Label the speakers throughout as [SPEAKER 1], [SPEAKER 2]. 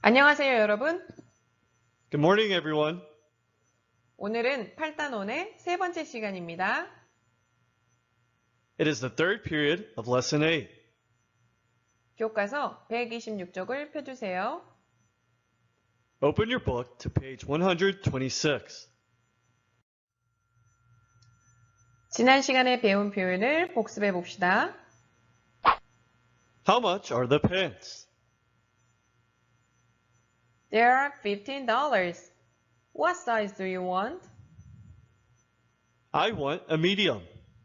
[SPEAKER 1] 안녕하세요, 여러분.
[SPEAKER 2] Good morning, everyone.
[SPEAKER 1] 오늘은 8단원의 세 번째 시간입니다.
[SPEAKER 2] It is the third period of Lesson 8.
[SPEAKER 1] 교과서 126쪽을 펴주세요.
[SPEAKER 2] Open your book to page 126.
[SPEAKER 1] 지난 시간에 배운 표현을 복습해 봅시다.
[SPEAKER 2] How much are the pants?
[SPEAKER 1] They are $15. What size do you want?
[SPEAKER 2] I want a medium.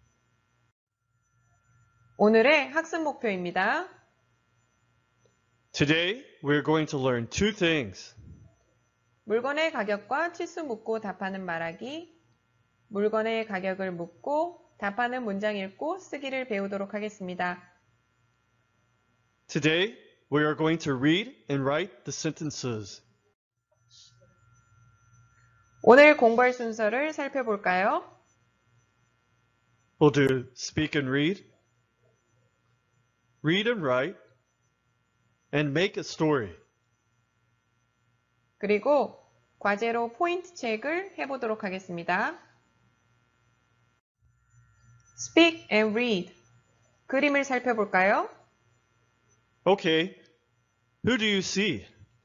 [SPEAKER 1] 오늘의 학습 목표입니다.
[SPEAKER 2] Today, we're going to learn two things.
[SPEAKER 1] 물건의 가격과 치수 묻고 답하는 말하기, 물건의 가격을 묻고 답하는 문장 읽고 쓰기를 배우도록 하겠습니다.
[SPEAKER 2] Today, we are going to read and write the sentences.
[SPEAKER 1] 오늘 공부할 순서를 살펴볼까요?
[SPEAKER 2] We'll do speak and read and write, and make a story.
[SPEAKER 1] 그리고 과제로 포인트 체크를 해보도록 하겠습니다. Speak and read. 그림을 살펴볼까요?
[SPEAKER 2] Okay, who do you see?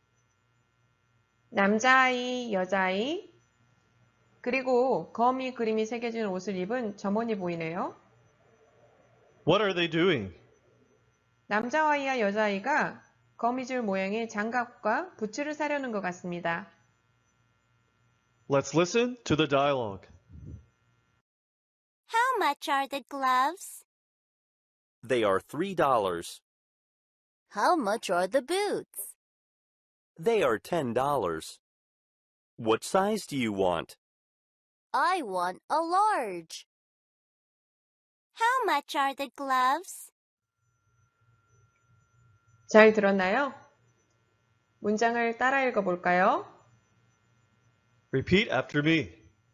[SPEAKER 1] 남자아이, 여자아이, 그리고 거미 그림이 새겨진 옷을 입은 점원이 보이네요.
[SPEAKER 2] What are they doing?
[SPEAKER 1] 남자아이와 여자아이가 거미줄 모양의 장갑과 부츠를 사려는 것 같습니다.
[SPEAKER 2] Let's listen to the dialogue.
[SPEAKER 3] How much are the gloves?
[SPEAKER 4] They are $3.
[SPEAKER 3] How much are the boots?
[SPEAKER 4] They are $10. What size do you want?
[SPEAKER 3] I want a large. How much are the gloves?
[SPEAKER 1] 잘 들었나요? 문장을 따라 읽어볼까요?
[SPEAKER 2] Repeat after me.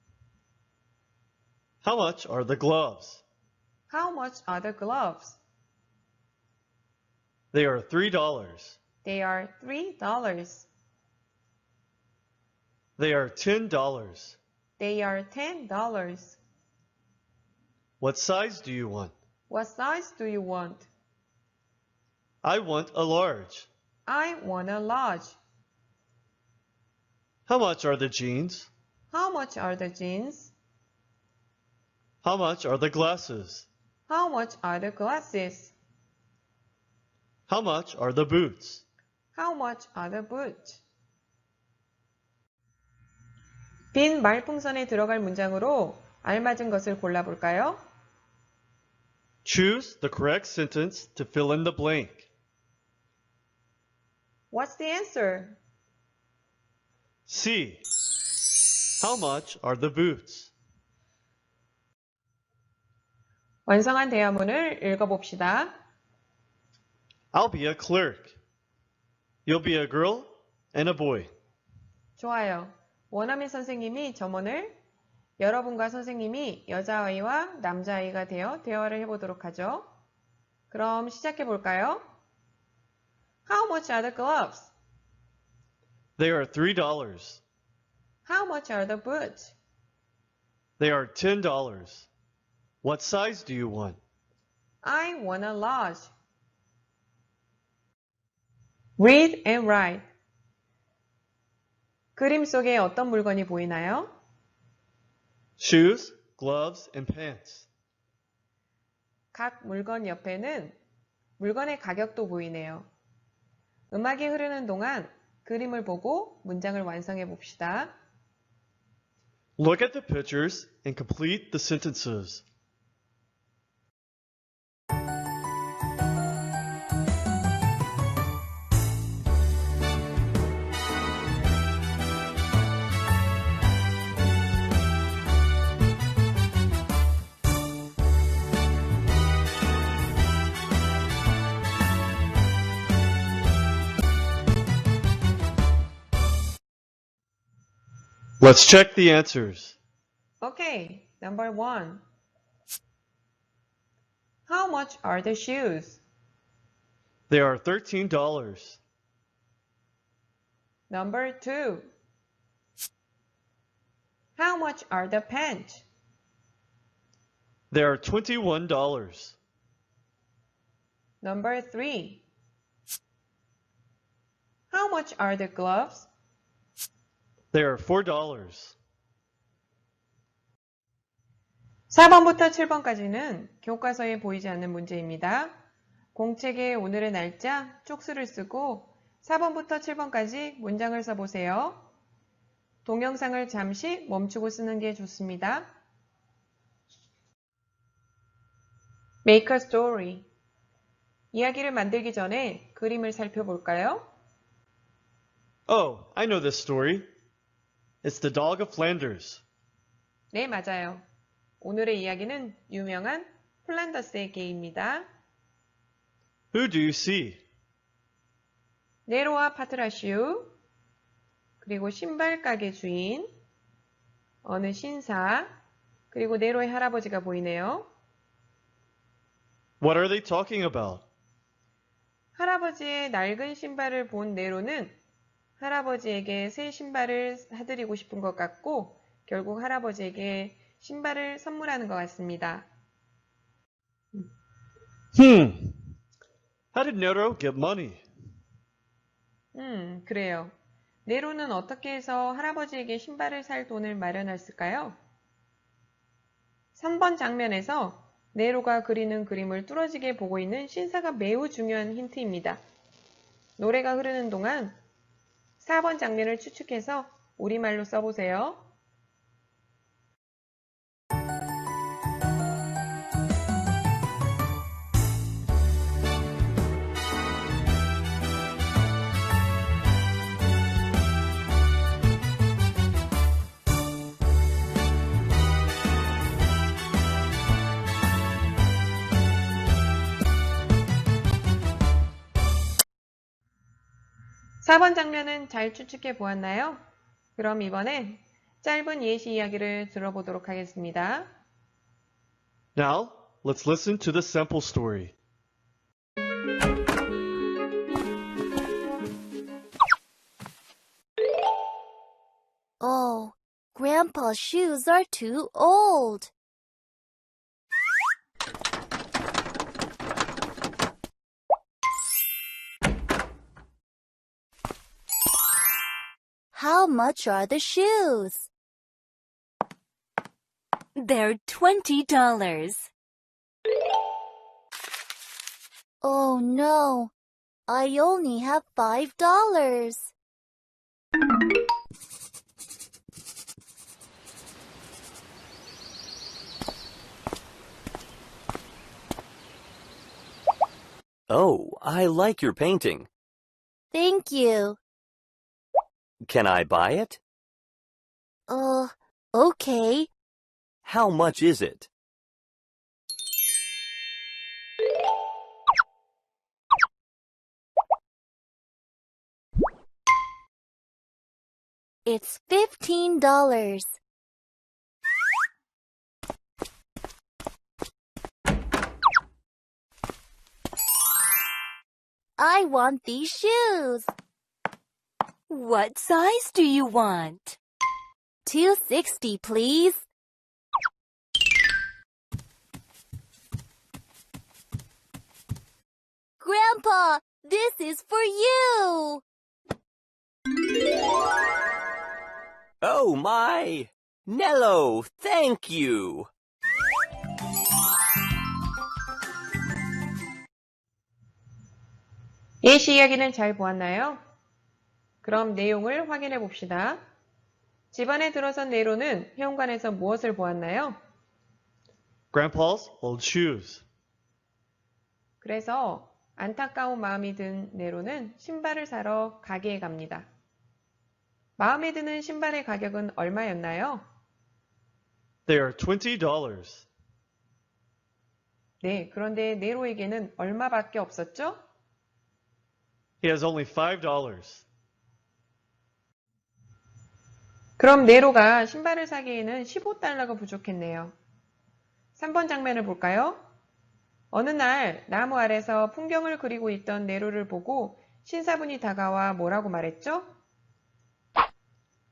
[SPEAKER 2] How much are the gloves?
[SPEAKER 1] How much are the gloves?
[SPEAKER 2] They are $3.
[SPEAKER 1] They are $3.
[SPEAKER 2] They are $10.
[SPEAKER 1] They are $10.
[SPEAKER 2] What size do you want?
[SPEAKER 1] What size do you want?
[SPEAKER 2] I want a large.
[SPEAKER 1] I want a large.
[SPEAKER 2] How much are the jeans?
[SPEAKER 1] How much are the jeans?
[SPEAKER 2] How much are the glasses?
[SPEAKER 1] How much are the glasses?
[SPEAKER 2] How much are the boots?
[SPEAKER 1] How much are the boots? 빈 말풍선에 들어갈 문장으로 알맞은 것을 골라볼까요?
[SPEAKER 2] Choose the correct sentence to fill in the blank.
[SPEAKER 1] What's the answer?
[SPEAKER 2] C. How much are the boots?
[SPEAKER 1] 완성한 대화문을 읽어봅시다.
[SPEAKER 2] I'll be a clerk. You'll be a girl and a boy.
[SPEAKER 1] 좋아요. 원어민 선생님이 점원을, 여러분과 선생님이 여자아이와 남자아이가 되어 대화를 해보도록 하죠. 그럼 시작해볼까요? How much are the gloves?
[SPEAKER 2] They are $3.
[SPEAKER 1] How much are the boots?
[SPEAKER 2] They are $10. What size do you want?
[SPEAKER 1] I want a large. Read and write. 그림 속에 어떤 물건이 보이나요?
[SPEAKER 2] Shoes, gloves, and pants.
[SPEAKER 1] 각 물건 옆에는 물건의 가격도 보이네요. 음악이 흐르는 동안 그림을 보고 문장을 완성해 봅시다.
[SPEAKER 2] Look at the pictures and complete the sentences. Let's check the answers.
[SPEAKER 1] Okay, number 1. How much are the shoes?
[SPEAKER 2] They are $13.
[SPEAKER 1] Number 2. How much are the pants?
[SPEAKER 2] They are $21.
[SPEAKER 1] Number 3. How much are the gloves?
[SPEAKER 2] They are $4.
[SPEAKER 1] 4번부터 7번까지는 교과서에 보이지 않는 문제입니다. 공책에 오늘의 날짜, 쪽수를 쓰고 4번부터 7번까지 문장을 써보세요. 동영상을 잠시 멈추고 쓰는 게 좋습니다. Make a story. 이야기를 만들기 전에 그림을 살펴볼까요?
[SPEAKER 2] Oh, I know this story. It's the dog of Flanders.
[SPEAKER 1] 네, 맞아요. 오늘의 이야기는 유명한 플란더스의 개입니다.
[SPEAKER 2] Who do you see?
[SPEAKER 1] 네로와 파트라슈, 그리고 신발 가게 주인, 어느 신사, 그리고 네로의 할아버지가 보이네요.
[SPEAKER 2] What are they talking about?
[SPEAKER 1] 할아버지의 낡은 신발을 본 네로는 할아버지에게 새 신발을 사드리고 싶은 것 같고 결국 할아버지에게 신발을 선물하는 것 같습니다.
[SPEAKER 2] How did Nero get money?
[SPEAKER 1] 그래요. 네로는 어떻게 해서 할아버지에게 신발을 살 돈을 마련했을까요? 3번 장면에서 네로가 그리는 그림을 뚫어지게 보고 있는 신사가 매우 중요한 힌트입니다. 노래가 흐르는 동안 4번 장면을 추측해서 우리말로 써보세요. 사 번 장면은 잘 추측해 보았나요? 그럼 이번엔 짧은 예시 이야기를 들어보도록 하겠습니다.
[SPEAKER 2] Now, let's listen to the sample story.
[SPEAKER 3] Oh, Grandpa's shoes are too old. How much are the shoes?
[SPEAKER 5] They're $20.
[SPEAKER 3] Oh no, I only have $5.
[SPEAKER 4] Oh, I like your painting.
[SPEAKER 3] Thank you.
[SPEAKER 4] Can I buy it?
[SPEAKER 3] Okay.
[SPEAKER 4] How much is it?
[SPEAKER 3] It's $15. I want these shoes.
[SPEAKER 5] What size do you want?
[SPEAKER 3] 260, please. Grandpa, this is for you.
[SPEAKER 4] Oh my! Nello, thank you!
[SPEAKER 1] 예시 이야기는 잘 보았나요? 그럼 내용을 확인해 봅시다. 집안에 들어선 네로는 회원관에서 무엇을 보았나요?
[SPEAKER 2] Grandpa's old shoes.
[SPEAKER 1] 그래서 안타까운 마음이 든 네로는 신발을 사러 가게에 갑니다. 마음에 드는 신발의 가격은 얼마였나요?
[SPEAKER 2] They are $20.
[SPEAKER 1] 네, 그런데 네로에게는 얼마밖에 없었죠?
[SPEAKER 2] He has only $5.
[SPEAKER 1] 그럼 네로가 신발을 사기에는 15달러가 부족했네요. 3번 장면을 볼까요? 어느 날 나무 아래서 풍경을 그리고 있던 네로를 보고 신사분이 다가와 뭐라고 말했죠?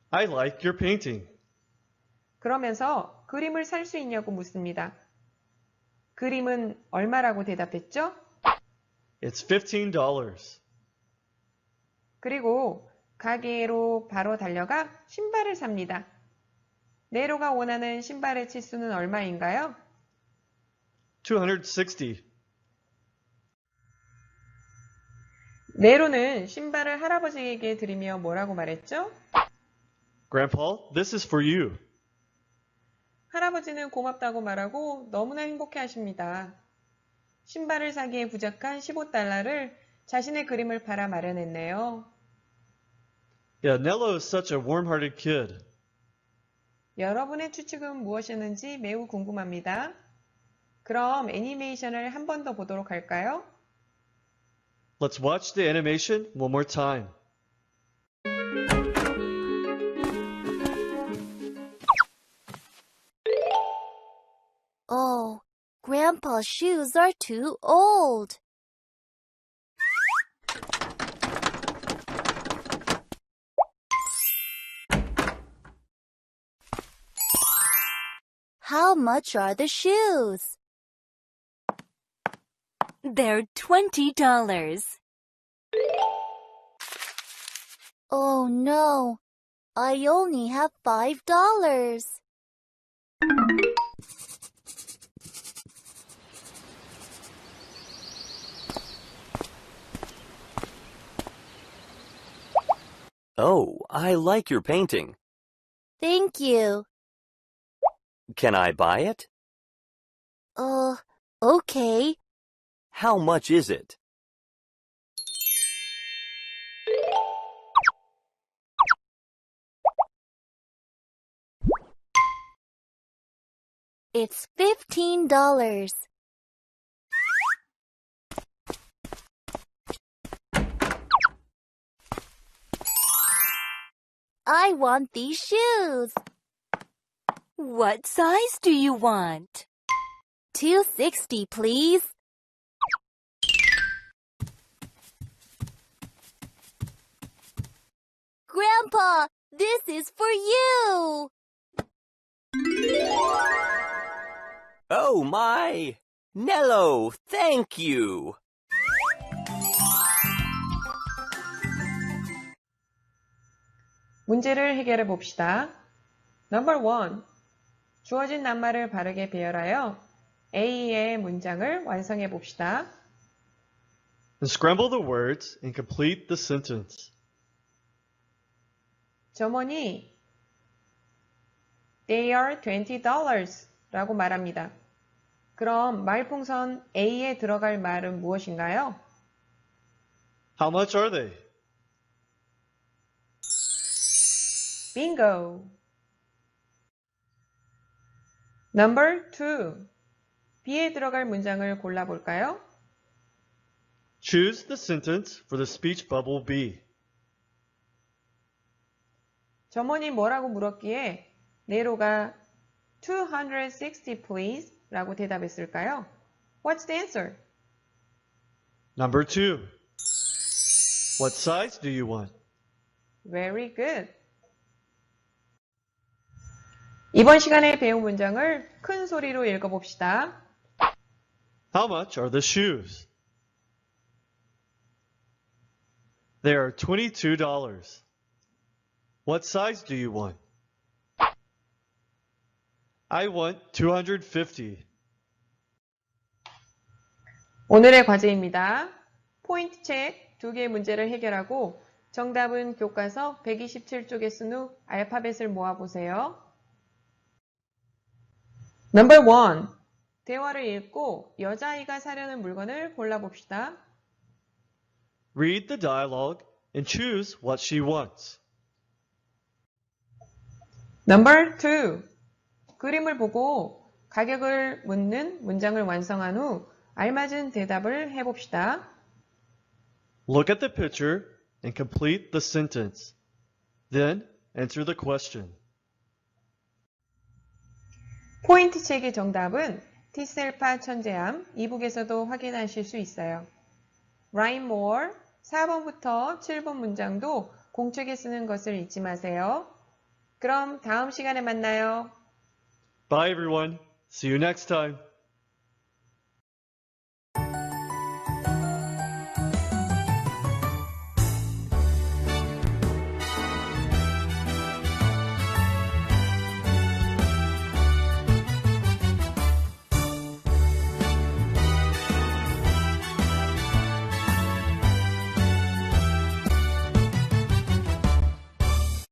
[SPEAKER 2] I like your painting.
[SPEAKER 1] 그러면서 그림을 살 수 있냐고 묻습니다. 그림은 얼마라고 대답했죠?
[SPEAKER 2] It's $15.
[SPEAKER 1] 그리고 가게로 바로 달려가 신발을 삽니다. 네로가 원하는 신발의 치수는 얼마인가요?
[SPEAKER 2] 260.
[SPEAKER 1] 네로는 신발을 할아버지에게 드리며 뭐라고 말했죠?
[SPEAKER 2] Grandpa, this is for you.
[SPEAKER 1] 할아버지는 고맙다고 말하고 너무나 행복해 하십니다. 신발을 사기에 부족한 15달러를 자신의 그림을 팔아 마련했네요.
[SPEAKER 2] Yeah, Nello is such a warm-hearted kid.
[SPEAKER 1] 여러분의 추측은 무엇이었는지 매우 궁금합니다. 그럼 애니메이션을 한 번 더 보도록 할까요?
[SPEAKER 2] Let's watch the animation one more time.
[SPEAKER 3] Oh, Grandpa's shoes are too old. How much are the shoes?
[SPEAKER 5] They're $20.
[SPEAKER 3] Oh no, I only have $5.
[SPEAKER 4] Oh, I like your painting.
[SPEAKER 3] Thank you.
[SPEAKER 4] Can I buy it?
[SPEAKER 3] Okay.
[SPEAKER 4] How much is it?
[SPEAKER 3] It's $15. I want these shoes.
[SPEAKER 5] What size do you want?
[SPEAKER 3] 260, please. Grandpa, this is for you.
[SPEAKER 4] Oh my! Nello, thank you!
[SPEAKER 1] 문제를 해결해 봅시다. Number 1. 주어진 낱말을 바르게 배열하여 A의 문장을 완성해 봅시다.
[SPEAKER 2] Unscramble the words and complete the sentence.
[SPEAKER 1] 점원이 They are $20 라고 말합니다. 그럼 말풍선 A에 들어갈 말은 무엇인가요?
[SPEAKER 2] How much are they?
[SPEAKER 1] Bingo! Number 2. B에 들어갈 문장을 골라볼까요?
[SPEAKER 2] Choose the sentence for the speech bubble B.
[SPEAKER 1] 점원이 뭐라고 물었기에 네로가 260 please 라고 대답했을까요? What's the answer?
[SPEAKER 2] Number 2. What size do you want?
[SPEAKER 1] Very good. 이번 시간에 배운 문장을 큰 소리로 읽어봅시다.
[SPEAKER 2] How much are the shoes? They are $22. What size do you want? I want 250.
[SPEAKER 1] 오늘의 과제입니다. 포인트 책 2개의 문제를 해결하고 정답은 교과서 127쪽에 쓴 후 알파벳을 모아보세요. Number 1. 대화를 읽고 여자아이가 사려는 물건을 골라봅시다.
[SPEAKER 2] Read the dialogue and choose what she wants.
[SPEAKER 1] Number 2. 그림을 보고 가격을 묻는 문장을 완성한 후 알맞은 대답을 해봅시다.
[SPEAKER 2] Look at the picture and complete the sentence. Then answer the question.
[SPEAKER 1] 포인트 책의 정답은 티셀파 천재함 이북에서도 확인하실 수 있어요. Rhyme more 4번부터 7번 문장도 공책에 쓰는 것을 잊지 마세요. 그럼 다음 시간에 만나요.
[SPEAKER 2] Bye everyone. See you next time.